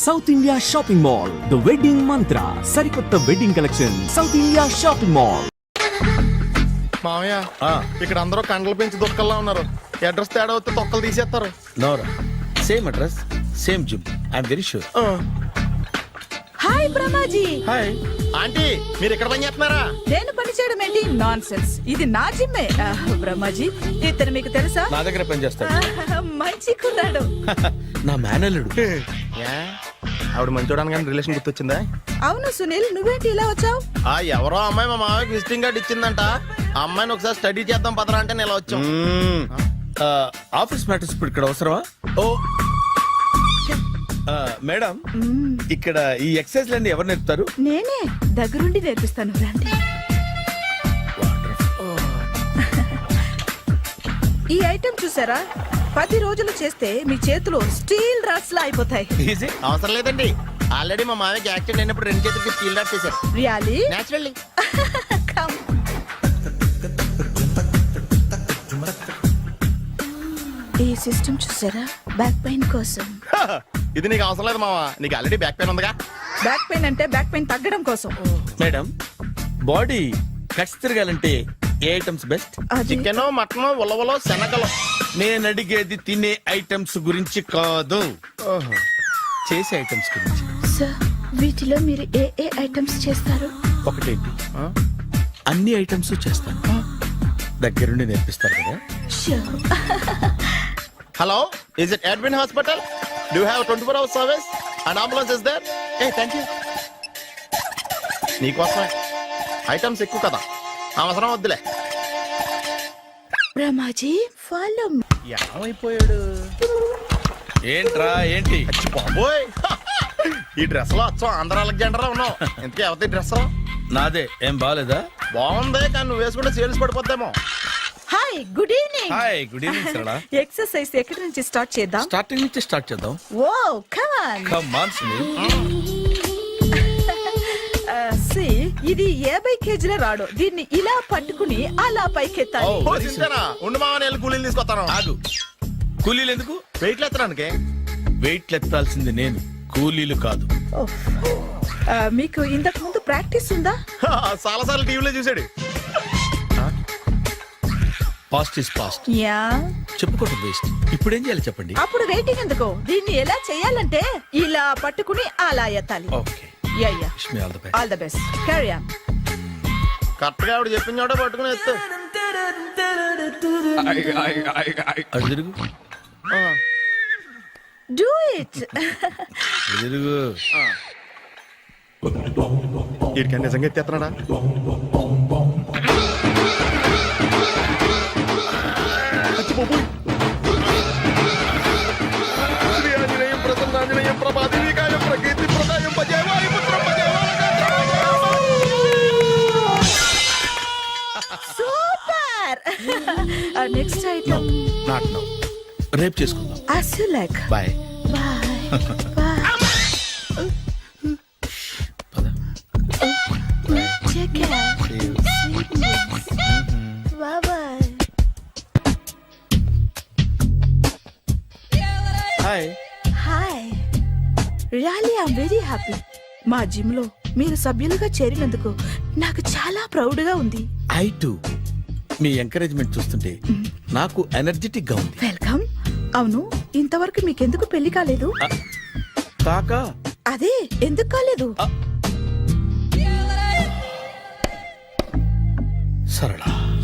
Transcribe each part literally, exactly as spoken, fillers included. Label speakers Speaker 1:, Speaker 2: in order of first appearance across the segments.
Speaker 1: South India shopping mall, the wedding Mantra, సరికొత్త wedding collection, South India shopping mall.
Speaker 2: మామయ్య ఇక్కడ అందరూ కండలు పెంచి దుక్కల్లా ఉన్నారు. అడ్రస్ తేడా వస్తే తొక్కలు తీసేస్తారు.
Speaker 3: నోరా same address same gym I'm very sure.
Speaker 4: Hi Brahmaji.
Speaker 3: Hi
Speaker 2: aunty, మీరు ఇక్కడ పని చేస్తున్నారా?
Speaker 4: నేను పని చేయడం ఏంటి? Nonsense. ఇది నా జిమ్మే. బ్రహ్మాజీ, ఇతను మీకు తెలుసా?
Speaker 3: నా దగ్గర పని చేస్తాడు.
Speaker 4: మంచి కుర్రాడు.
Speaker 3: నా మేనల్లుడు.
Speaker 2: ఆవిడ మంచోడానికి కానీ రిలేషన్ గుర్తొచ్చిందా?
Speaker 4: అవును సునీల్, నువ్వేంటి ఇలా వచ్చావు?
Speaker 2: ఆ ఎవరో అమ్మాయి మా మామయ్యకి విజిటింగ్ కార్డ్ ఇచ్చిందంట. ఆ అమ్మాయిని ఒకసారి స్టడీ చేద్దాం పదరా అంటే నేను ఇలా వచ్చాం.
Speaker 3: ఆఫీస్ మ్యాటర్స్ ఇప్పుడు ఇక్కడ అవసరమా? ఓ మేడం, ఇక్కడ ఈ ఎక్సర్సైజ్ లన్నీ ఎవరు నేర్పుతారు?
Speaker 4: నేనే దగ్గరుండి నేర్పిస్తాను. రండి. ఈ ఐటెం చూసారా? పది రోజులు చేస్తే మీ చేతులు స్టీల్ రాట్స్ లా అయిపోతాయి.
Speaker 2: అవసరం లేదండి, ఆల్రెడీ మా మామయ్యకి యాక్సిడెంట్ అయినప్పుడు రెండు చేతులకి స్టీల్ డాట్ చేశారు.
Speaker 4: రియల్లీ?
Speaker 2: నేచురల్లీ.
Speaker 4: ఈ సిస్టమ్ చూసారా? బ్యాక్ పెయిన్ కోసం.
Speaker 2: ఇది నీకు అవసరం లేదు మావా, నీకు ఆల్రెడీ బ్యాక్ పెయిన్ ఉందిగా.
Speaker 4: బ్యాక్ పెయిన్ అంటే బ్యాక్ పెయిన్ తగ్గడం కోసం.
Speaker 3: మేడం, బాడీ కట్స్ తిరగాలంటే ఏ ఐటమ్స్ బెస్ట్?
Speaker 2: చికెన్, మటన్, ఉలవలో, శనగలు.
Speaker 3: నేను అడిగేది తినే ఐటమ్స్ గురించి కాదు, చేసే ఐటమ్స్ గురించి.
Speaker 4: సార్, వీటిలో మీరు ఏ ఏ ఐటమ్స్ చేస్తారు?
Speaker 3: ఒకటేంటి, అన్ని ఐటమ్స్ చేస్తాను. దగ్గరుండి నేర్పిస్తారు కదా.
Speaker 2: Hello, is it admin hospital? Do have twenty four hours service and ambulance is there? Ah thank you. నీకోసమే ఐటమ్స్ ఎక్కువ కదా, అవసరం వద్దులే.
Speaker 4: బ్రహ్మాజీ, ఫాలో.
Speaker 2: ఏమైపోయాడు?
Speaker 3: ఏంట్రా ఏంటి?
Speaker 2: అచ్చి బాబోయ్, ఈ డ్రెస్ లో అచ్చం ఆంధ్ర అలెగ్జాండర్ ఉన్నావు. ఇంతకీ ఎవరి డ్రెస్?
Speaker 3: నాదే. ఏం బాగాలేదా?
Speaker 2: బాగుంది, కానీ నువ్వు వేసుకుంటే సేల్స్ పడిపోద్దేమో.
Speaker 4: Hi, good evening.
Speaker 3: Hi, good evening Sarala.
Speaker 4: Exercise ఎక్కడి నుంచి స్టార్ట్ చేద్దాం?
Speaker 3: స్టార్టింగ్ నుంచి స్టార్ట్ చేద్దాం.
Speaker 4: Oh come on.
Speaker 3: Come on Sunil.
Speaker 4: సి, ఇది యాభై కేజీల రాడు. దీన్ని ఇలా పట్టుకుని అలా పైకెత్తాలి.
Speaker 3: Oh.
Speaker 2: ఓ, సింతేనా? ఉండు మామ, నేను కూలీలు తీసుకొస్తాను.
Speaker 3: ఆగు. కూలీలు ఎందుకు?
Speaker 2: వెయిట్లు ఎత్తడానికి.
Speaker 3: వెయిట్ ఎత్తాల్సింది నేను, కూలీలు కాదు.
Speaker 4: ఓహ్. ఆ, మీకు ఇంతకు ముందు ప్రాక్టీస్ ఉందా?
Speaker 2: చాలా సార్లు టీవీలో చూసాడు.
Speaker 3: Past is past.
Speaker 4: యా.
Speaker 3: చెప్పుకోవటం వేస్ట్. ఇప్పుడు ఏం చేయాలి చెప్పండి.
Speaker 4: అప్పుడు వెయిటింగ్ ఎందుకు? దీన్ని ఎలా చేయాలంటే ఇలా పట్టుకుని అలా ఎత్తాలి.
Speaker 3: Okay.
Speaker 4: Yeah yeah.
Speaker 3: Wish me all the best.
Speaker 4: All the best. Carry on.
Speaker 2: Correct గా ఆవిడ చెప్పిన చోట పట్టుకుని ఎత్తు.
Speaker 3: అటు తిరుగు.
Speaker 4: Do it.
Speaker 3: అటు తిరుగు.
Speaker 2: వీడికి నిజంగా ఎత్తేస్తున్నాడా?
Speaker 4: Super. Next item.
Speaker 3: Not now. రేపు చేసుకుందాం.
Speaker 4: As you like.
Speaker 3: Bye.
Speaker 4: Bye. Bye.
Speaker 3: పద.
Speaker 4: Take care. Sweetness. Bye bye.
Speaker 3: Hi.
Speaker 4: Hi. Really, I'm very happy. మా జిమ్ లో మీరు సభ్యులుగా చేరినందుకు నాకు చాలా ప్రౌడ్ గా ఉంది.
Speaker 3: I to. మీ ఎంకరేజ్మెంట్ చూస్తుంటే నాకు ఎనర్జెటిక్ గా ఉంది.
Speaker 4: వెల్కమ్. అవును, ఇంతవరకు మీకెందుకు పెళ్లి కాలేదు?
Speaker 3: కాకా.
Speaker 4: అదే, ఎందుకు కాలేదు?
Speaker 3: సరళ,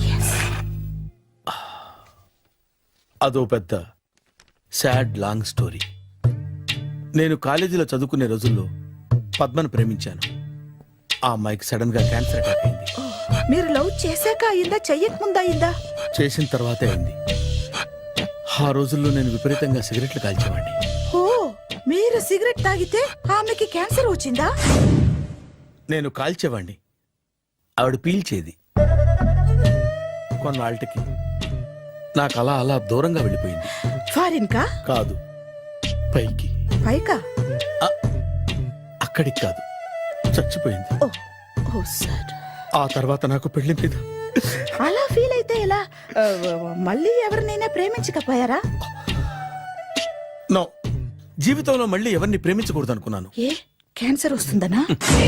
Speaker 3: అదో పెద్ద సాడ్ లాంగ్ స్టోరీ. నేను కాలేజీలో చదువుకునే రోజుల్లో పద్మను ప్రేమించాను. ఆ అమ్మాయికి సడన్ గా క్యాన్సర్ అటాక్ అయింది.
Speaker 4: మీరు లవ్ చేశాక అయిందా, చెయ్యక ముందా అయిందా?
Speaker 3: చేసిన తర్వాతే అయింది. ఆ రోజుల్లో నేను విపరీతంగా సిగరెట్లు కాల్చేవాడిని.
Speaker 4: ఓ, మీరు సిగరెట్ తాగితే ఆమెకి క్యాన్సర్ వచ్చిందా?
Speaker 3: నేను కాల్చేవాడిని, ఆవిడ పీల్చేది. కొన్నాళ్ళకి నాకు అలా అలా దూరంగా వెళ్ళిపోయింది.
Speaker 4: ఫారిన్ కా?
Speaker 3: కాదు, పైకి.
Speaker 4: పైకా?
Speaker 3: అక్కడికి కాదు, చచ్చిపోయింది.
Speaker 4: ఓ, ఓ సార్.
Speaker 3: ఆ తర్వాత నాకు పెళ్లి మీద.
Speaker 4: అలా ఫీల్ అయితే ఎలా? మళ్ళీ ఎవరినైనా ప్రేమించకపోయారా?
Speaker 3: నో, జీవితంలో మళ్ళీ ఎవరిని ప్రేమించకూడదు అనుకున్నాను.
Speaker 4: ఏ క్యాన్సర్ వస్తుందనా?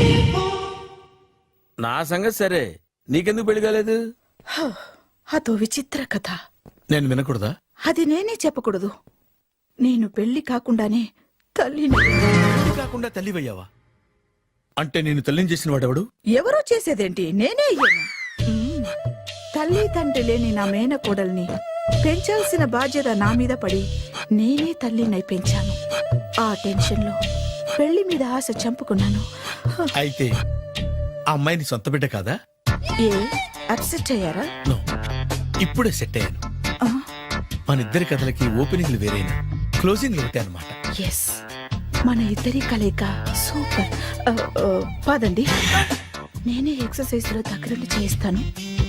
Speaker 3: నా సంగతి సరే, నీకెందుకు పెళ్లి కాలేదు?
Speaker 4: హ, అదో విచిత్ర కథ.
Speaker 3: నేను వినకూడదా?
Speaker 4: అది నేనే చెప్పకూడదు. నేను పెళ్లి కాకుండానే తల్లిని.
Speaker 3: పెళ్లి కాకుండా తల్లివయ్యావా? అంటే నేను తల్లిని చేసిన వాడెవడు?
Speaker 4: ఎవరో చేసేదేంటి, నేనే అయ్యాను. మ్మ్. తల్లి తండ్రి లేని నా మేనకోడల్ని పెంచాల్సిన బాధ్యత నా మీద పడి నేనే తల్లినై పెంచాను. ఆ టెన్షన్లో పెళ్లి మీద ఆశ చంపుకున్నాను. హ,
Speaker 3: అయితే ఆ అమ్మాయిని సొంత బిడ్డ కాదా?
Speaker 4: ఏ అప్సెట్ అయ్యారా?
Speaker 3: నో, ఇప్పుడే సెట్ అయ్యాను.
Speaker 4: ఆ,
Speaker 3: మన ఇద్దరి కథలకి ఓపెనింగ్లు వేరైనా క్లోజింగ్లు ఒకటే అనమాట.
Speaker 4: ఎస్, మన ఇద్దరి కలయిక సూపర్. ఆ, ఆ, పదండి, నేనే ఎక్సర్సైజ్ లో దగ్గరుండి చేస్తాను.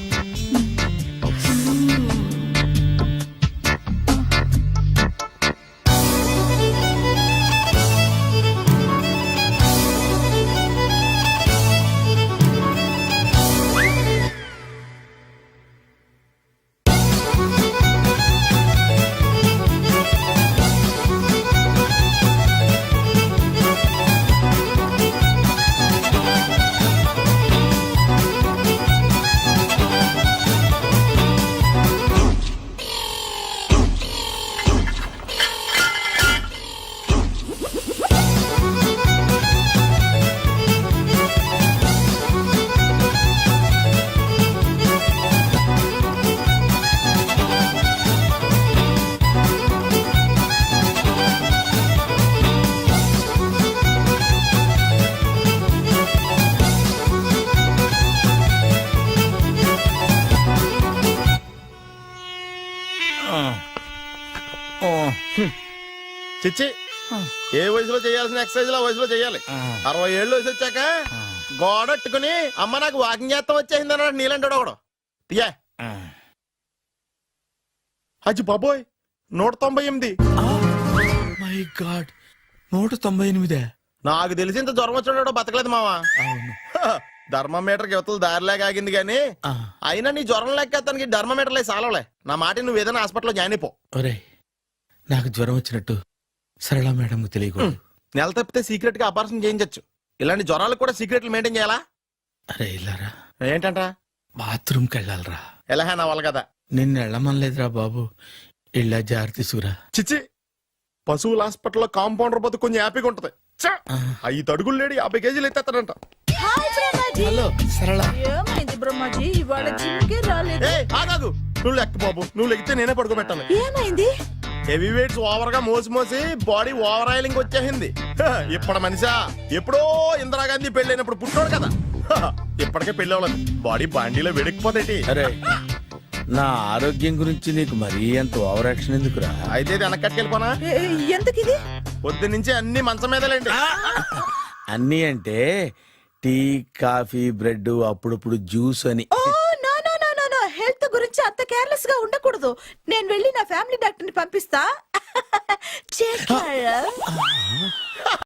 Speaker 2: చిచ్చి, ఏ వయసులో చేయాల్సిన ఎక్సర్సైజ్ ఆ వయసులో చేయాలి. అరవై ఏళ్ళు వయసు వచ్చాక గోడట్టుకుని అమ్మ నాకు వాకింగ్ చేస్తాం వచ్చేసింది అన్నాడు నీలంటాడు ఒకడు. తీయా అచ్చి బాబోయ్, నూట తొంభై ఎనిమిది.
Speaker 3: మై గాడ్, నూట తొంభై ఎనిమిదే?
Speaker 2: నాకు తెలిసి ఇంత జ్వరం వచ్చాడో బతకలేదు మావా.
Speaker 3: అవును.
Speaker 2: ధర్మమీటర్ యువతలు దారిలాగా ఆగింది గానీ
Speaker 3: ఆ,
Speaker 2: అయినా నీ జ్వరం లెక్క అతనికి ధర్మమీటర్లే సాలవలే. నా మాట నువ్వు ఏదైనా హాస్పిటల్లో జాయిన్ అయిపో.
Speaker 3: ఒరేయ్, నాకు జ్వరం వచ్చినట్టు సరళ మేడం తెలియకూడదు.
Speaker 2: నెల తప్పితే సీక్రెట్ గా ఆపరేషన్ చేయించచ్చు. ఇలాంటి జ్వరాలకు కూడా సీక్రెట్లు మెయింటైన్ చేయాలా?
Speaker 3: అరే ఇల్లారా,
Speaker 2: ఏంటంట?
Speaker 3: బాత్రూమ్కి వెళ్ళాలరా.
Speaker 2: ఎలా నా వాళ్ళ కదా.
Speaker 3: నిన్ను వెళ్ళమనలేదురా బాబు, ఇళ్ళ జారి తీసుకురా.
Speaker 2: చిచ్చి, పశువుల హాస్పిటల్లో కాంపౌండర్ బతు కొంచెం హ్యాపీగా ఉంటది. చ్చ!
Speaker 3: ఆ.
Speaker 2: ఐదు అడుగులు లేడి యాభై కేజీలు ఎత్తేస్తాడంట.
Speaker 4: హాయ్ బ్రహ్మాజీ.
Speaker 3: హలో సరళ.
Speaker 4: ఏమైంది బ్రహ్మాజీ, ఇవాళ జిమ్కే రాలేదు?
Speaker 2: ఏ ఆగాగు, నువ్వు లెక్క బాబు, నువ్వు లెక్కితే నేనే పడుకోబెట్టాను.
Speaker 4: ఏమైంది?
Speaker 2: హెవీ వెయిట్స్ ఓవర్ గా మోసి మోసి బాడీ ఓవర్ ఆయిలింగ్ వచ్చేసింది. హ, ఇప్పుడు మనిషా ఎప్పుడో ఇందిరాగాంధీ పెళ్ళైనప్పుడు పుట్టాడు కదా. హ, ఇప్పటికే పెళ్ళి అవ్వలేదు, బాడీ బాండీలో వెడికిపోతేటి.
Speaker 3: అరే, నా ఆరోగ్యం గురించి నీకు మరీ అంత ఓవర్ యాక్షన్ ఎందుకురా?
Speaker 2: అయితే ఇది వెనక్కట్టుకెళ్ళిపోనా?
Speaker 4: ఏ, ఎందుకు ఇది?
Speaker 2: పొద్దు నుంచి అన్ని మంచం మీదలేండి.
Speaker 3: అన్నీ అంటే టీ, కాఫీ, బ్రెడ్, అప్పుడప్పుడు జ్యూస్ అని.
Speaker 4: Oh no no no no no, health గురించి అంత కేర్లెస్ గా ఉండకూడదు. నేను వెళ్ళి నా ఫ్యామిలీ డాక్టర్ ని పంపిస్తా. Take care.